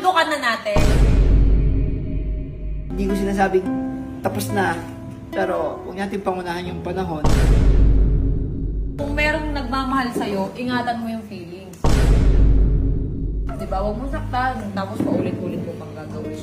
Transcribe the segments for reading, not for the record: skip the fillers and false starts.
sundukan na natin. Hindi ko sinasabing tapos na, pero huwag natin pangunahan yung panahon. Kung merong nagmamahal sa'yo, ingatan mo yung feelings. Diba? Huwag mong saktan, tapos paulit-ulit mo pang gagawin.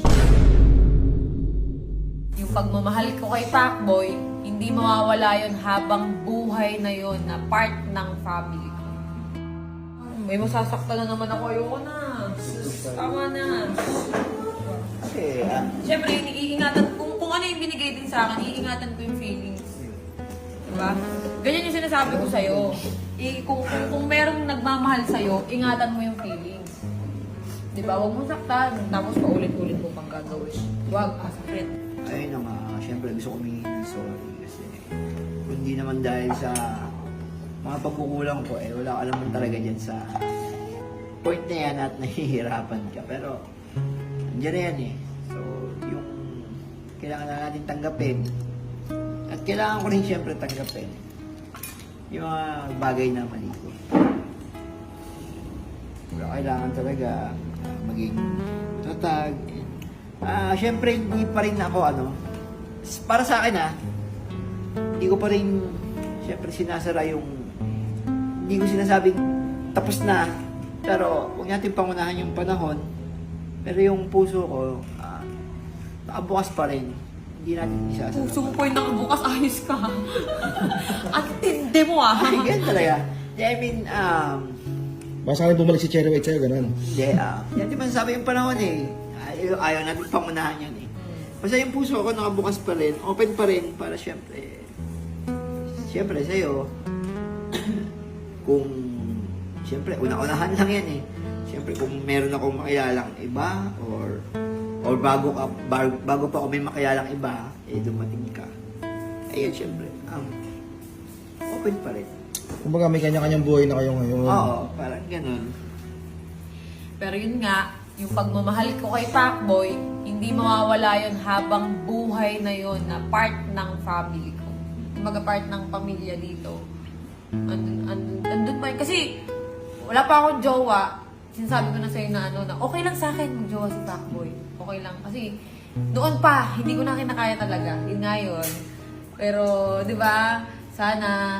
Yung pagmamahal ko kay Pacboy, hindi mawawala yun habang buhay na yun na part ng family ko. May masasaktan na naman ako. Ayoko na. Tama na. Kasi, Siyempre, iingatan, kung ano yung binigay din sa akin, iingatan ko yung feelings. Diba? Ganyan yung sinasabi ko sa'yo. Kung merong nagmamahal sa'yo, ingatan mo yung feelings. Diba? Huwag mong saktan, tapos paulit-ulit mo pang gagawin. Huwag, sakit. ayun na nga, syempre gusto ko humingi ng sorry kasi kundi naman dahil sa mga pagkukulang ko, wala ka naman talaga dyan sa point na yan at nahihirapan ka. Pero, andyan na yan eh. So, yung kailangan na natin tanggapin at kailangan ko rin syempre tanggapin yung mga bagay na mali ko. Pero kailangan talaga maging tatag. Syempre hindi pa rin ako para sa akin hindi ko pa rin syempre sinasara yung hindi ko sinasabing tapos na, pero huwag natin pangunahan yung panahon. Pero yung puso ko nakabukas pa rin, hindi natin isasara. Puso mo po yung nakabukas, ayos ka. At tindi mo Ay, ganun talaga. I mean, Basta kami bumalik si Cherry White sa'yo, ganun. hindi, yan di ba sabi yung panahon ayaw natin pangunahan yan Basta yung puso ko nakabukas pa rin, open pa rin para syempre sa'yo, kung syempre una-unahan lang yan Syempre kung meron akong makilalang iba or bago pa ako may makilalang iba, dumating ka. Ayun, syempre, open pa rin. Kumbaga may kanya-kanyang buhay na kayo ngayon. Oo, parang ganun. Pero yun nga, yung pagmamahal ko kay Pacboy, hindi mawawala yun habang buhay na yun na part ng family ko. Kumbaga part ng pamilya dito. Andun pa yun. Kasi wala pa akong jowa. Sinasabi ko na sa'yo na na okay lang sa akin mag-jowa si Pacboy. Okay lang. Kasi doon pa, hindi ko na kinakaya talaga. Yun nga yun. Pero, di ba, sana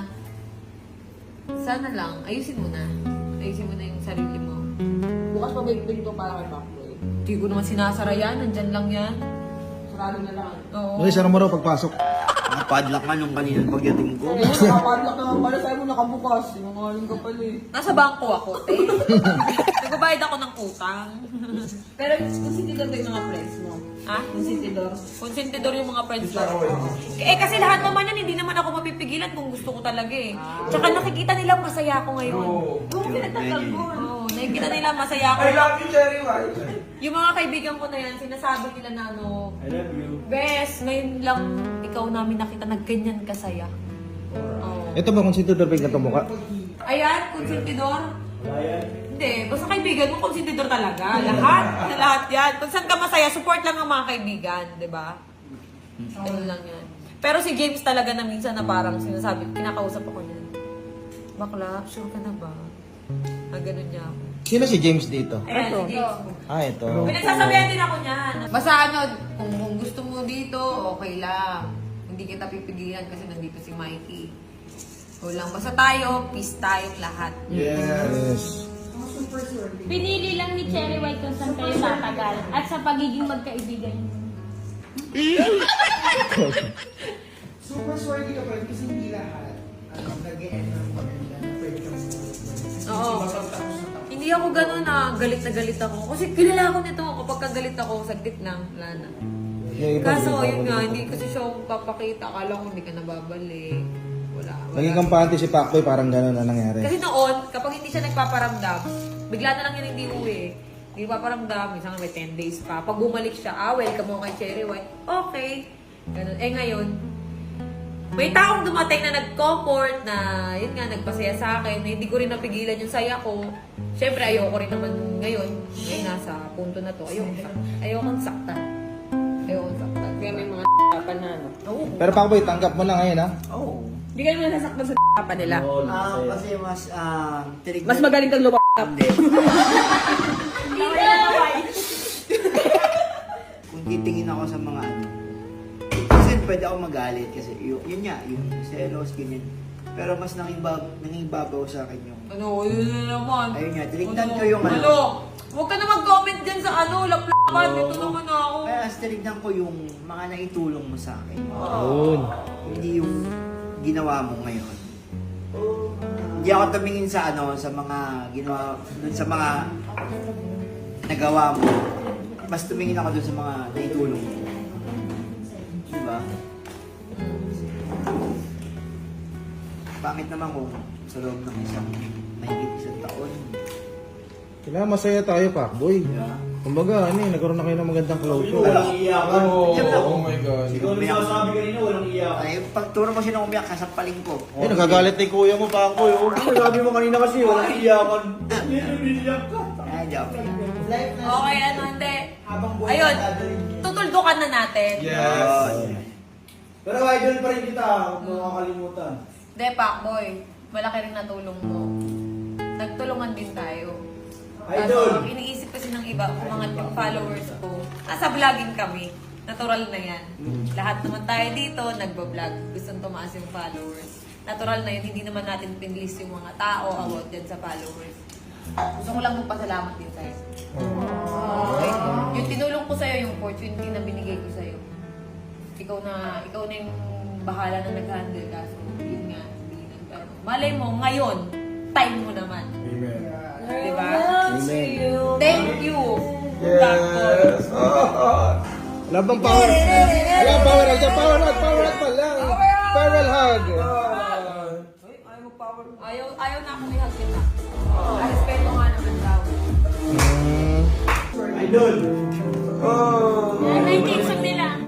lang, ayusin mo na. Ayusin mo na yung sarili mo. Bukas pa ba yung pinto para kay Pacboy? Hindi ko naman sinasara yan. Nandyan lang yan. Sarado na lang. Oo. Okay, sarang mo raw pagpasok. Nakapadlock nga nung kanina pagdating ko. Nakapadlock naman pala sa'yo mo nakabukas. Sinungaling ka pala Nasa bangko ako, te. Nagbabayad ako ng utang. Pero konsentidor ba yung mga friends mo? Ha? Konsentidor? Konsentidor yung mga friends ko. Kasi lahat naman yan, hindi naman ako mapipigilan kung gusto ko talaga Tsaka nakikita nila masaya ako ngayon. Oo, pinagtagal mo. Oo, nakikita nila masaya ako. I love you, Cherry White. Yung mga kaibigan ko na yan, sinasabi nila na I love you. Bes, ngayon lang ikaw namin nakita na ganyan kasaya. Oo. Ito ba kung sino ba yung katumukha? Ayan, konsentidor. Hindi, basta kaibigan mo, konsentidor talaga. Lahat yan. Kung saan ka masaya, support lang ang mga kaibigan, di ba? Ayun lang yan. Pero si James talaga na minsan na parang sinasabi, kinakausap ako niya. Bakla, sure ka na ba? Ganun niya ako. Sino si James dito? Ayan, si James. Ito. Pinagsasabihan din ako niyan. Basta kung gusto mo dito, okay lang. Hindi kita pipigilan kasi nandito si Mikey. O lang, basta tayo, peace tayong lahat. Yes. Pinili lang ni Cherry White kung saan kayo tatagal at sa pagiging magkaibigan niyo. Super sorry ka pa rin kasi hindi lahat nag-e-end ng maganda na pwede kang Oo. Hindi ako ganun galit na galit ako. Kasi kilala ko nito, kapag kagalit ako, saglit lang, wala na. Kaso, yun nga, hindi kasi siya papakita. Akala ko hindi ka nababalik. Wala. Naging kampante si Pacboy, parang gano'n na nangyari. Kasi noon, kapag hindi siya nagpaparamdam, bigla na lang yun hindi uwi. Hindi paparamdam, minsan may 10 days pa. Pag bumalik siya, welcome mo kay Cherry White. Okay. Ganun. Ngayon, may taong dumating na nag-comfort na, yun nga, nagpasaya sa akin, na hindi ko rin napigilan yung saya ko. Siyempre, ayoko rin naman ngayon nasa punto na to, ayokong saktan. Kaya may mga pa na Oo. Pero Pacboy, tanggap mo na ngayon, ha? Oo. Hindi ka naman nasaktan sa pa nila. Kasi mas Mas magaling kang lupa. Hindi. titingin ako sa mga ano. Kasi pwede ako magalit kasi yun nga, yung selos, ganyan. Pero mas nangingibabaw sa akin yung Ano, yun na naman. ayun nga, tinignan ko yung ano. Ano? Huwag ka na mag-comment dyan sa ano, laplapan. Dito naman ako. Kaya as tinignan ko yung mga naitulong mo sa akin. Yun. Hindi yung ginawa mo ngayon. Hindi ako tumingin sa ano, sa mga ginawa, dun sa mga nagawa mo. Mas tumingin ako dun sa mga naitulong mo. Diba? Bakit naman kung sa loob ng mahigit isang taon? Kailangan masaya tayo, Pacboy. Diba? Kumbaga, nagkaroon na kayo ng magandang closure. Walang iyakan. Oh my God. Ikaw na sinasabi kanina, walang iyakan. Ay, pag turo mo siya ng umiyak, kasampalin ko. Eh, nagagalit na yung kuya mo, Pacboy. Oh. Sabi mo kanina kasi, walang iyakan. Niliyak ka. Ay, di ako. Okay, ano, hindi. Habang buhay Ayun, na dadalhin niya. tutuldukan na natin. Yun. Pero idol pa rin kita, huwag mo makakalimutan. Hindi, Pacboy. Malaki rin natulong mo. Nagtulungan din tayo. Idol! Kaso, iniisip kasi ng iba, umangat yung followers ko. Nasa vlogging kami. Natural na yan. Lahat naman tayo dito, nagbablog. Gustong tumaas yung followers. Natural na yun. Hindi naman natin pinlist yung mga tao about dyan sa followers. Gusto ko lang magpasalamat din sa'yo. Okay? Yung tinulong ko sa'yo, yung opportunity na binigay ko sa'yo. Ikaw na yung bahala na nag-handle ka. So, yun nga. Malay mo, ngayon, time mo naman. Amen. Diba? Amen. Thank you. Yes! Wala bang power? Wala power hug. Power hug pa lang. Power hug. Ayaw na akong ihag kita. Respeto nga naman daw. Idol!